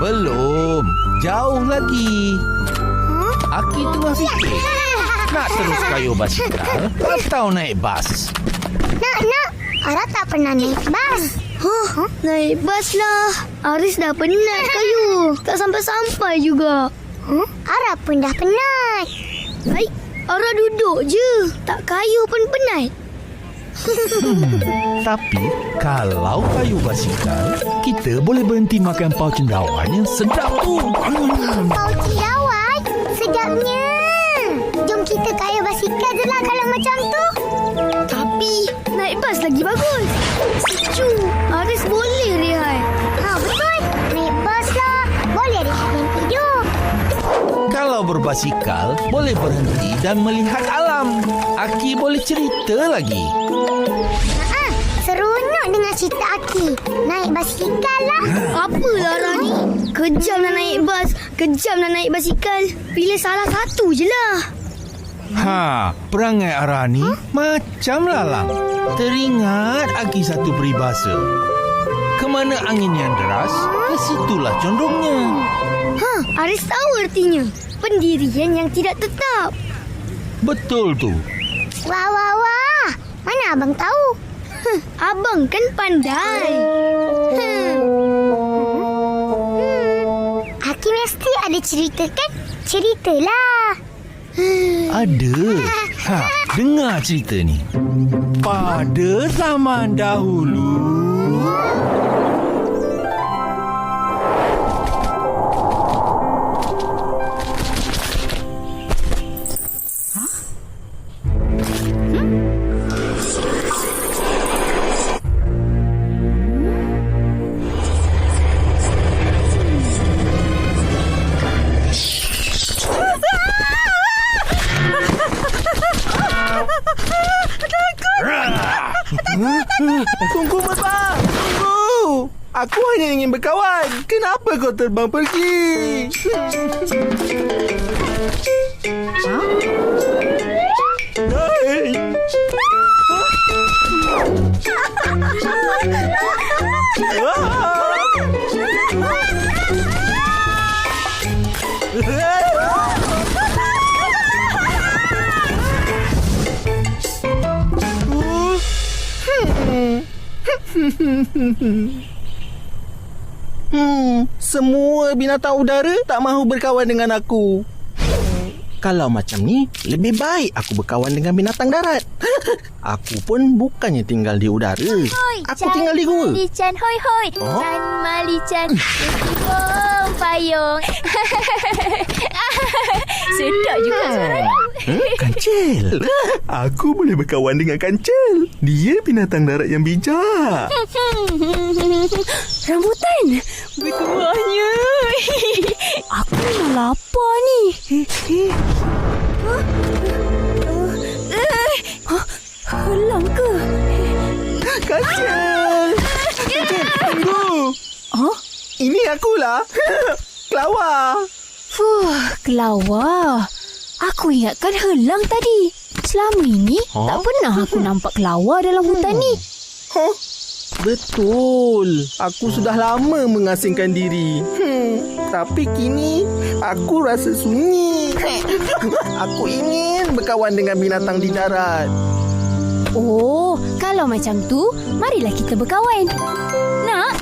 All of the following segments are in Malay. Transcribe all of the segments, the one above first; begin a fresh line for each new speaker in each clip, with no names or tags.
Belum. Jauh lagi. Aki tengah fikir. Nak terus kayuh basikal atau naik bas?
Nak. Ara tak pernah naik bas.
Naik bas lah. Aris dah penat kayu. Tak sampai-sampai juga.
Ara pun dah penat.
Baik, Ara duduk je. Tak kayu pun penat.
Tapi kalau kayuh basikal, kita boleh berhenti makan pau cendawan yang sedap tu.
Pau cendawan? Sedapnya. Jom kita kayuh basikal je lah kalau macam tu.
Tapi naik bas lagi bagus. Sejuk. Aris boleh rehat.
Betul. Naik bas lah. Boleh rehat dan tidur.
Kalau berbasikal, boleh berhenti dan melihat alam. Aki boleh cerita lagi.
Seronok dengar cerita Aki. Naik basikal lah.
Apalah Ara ni? Kejam nak naik bas, kejam nak naik basikal. Pilih salah satu je lah.
Perangai Ara ni macam lalang. Teringat Aki satu peribahasa. Kemana angin yang deras, ke situlah condongnya.
Aris tahu artinya. Pendirian yang tidak tetap.
Betul tu.
Wah. Mana abang tahu?
Abang kan pandai.
Aki mesti ada cerita kan? Ceritalah.
Ada. Dengar cerita ni. Pada zaman dahulu,
Tunggu, Bapak. Tunggu. Aku hanya ingin berkawan. Kenapa kau terbang pergi? Hey. Semua binatang udara tak mahu berkawan dengan aku. Kalau macam ni, lebih baik aku berkawan dengan binatang darat. Aku pun bukannya tinggal di udara. Aku tinggal di gua.
Malichan, hoi. Chan Malichan. Payung.
Sedap juga suaranya.
Kancil. Aku boleh berkawan dengan Kancil. Dia binatang darat yang bijak.
Rambutan berkuahnya. Aku memang lapar ni. Helang ke?
Kancil. Kancil, tunggu. Ini akulah. Kelawar.
Kelawar. Aku ingatkan helang tadi. Selama ini tak pernah aku nampak kelawar dalam hutan ni.
Betul. Aku sudah lama mengasingkan diri. Tapi kini aku rasa sunyi. Aku ingin berkawan dengan binatang di darat.
Oh, kalau macam tu, marilah kita berkawan. Nak?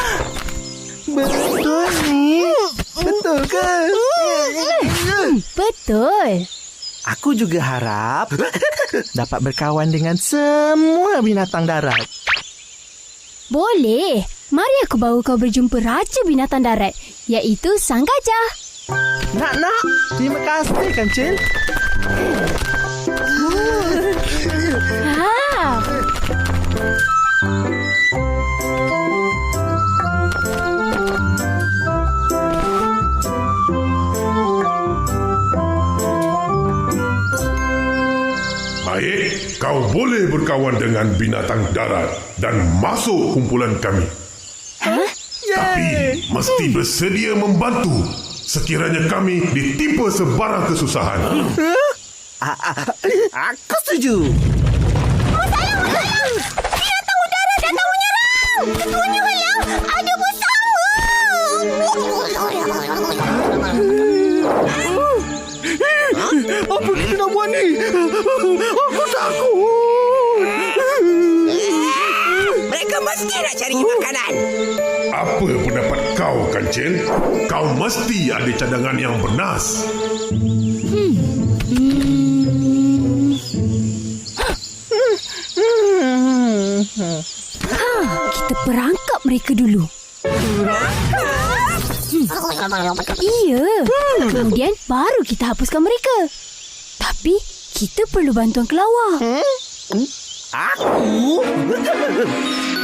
Betul ni? Betul ke?
Betul.
Aku juga harap dapat berkawan dengan semua binatang darat.
Boleh. Mari aku bawa kau berjumpa Raja Binatang Darat, iaitu Sang Gajah.
Nak. Terima kasih, Kancil.
Baik, kau boleh berkawan dengan binatang darat dan masuk kumpulan kami. Tapi mesti bersedia membantu sekiranya kami ditimpa sebarang kesusahan.
Aku setuju.
Binatang udara datang menyerang. Ketuanya halang. Ada bersama.
ni? Aku takut.
Mereka mesti nak cari makanan.
Apa pendapat kau, Kancil? Kau mesti ada cadangan yang bernas.
Kita perangkap mereka dulu. Iya. Kemudian baru kita hapuskan mereka. Tapi kita perlu bantuan kelawar.
Aku?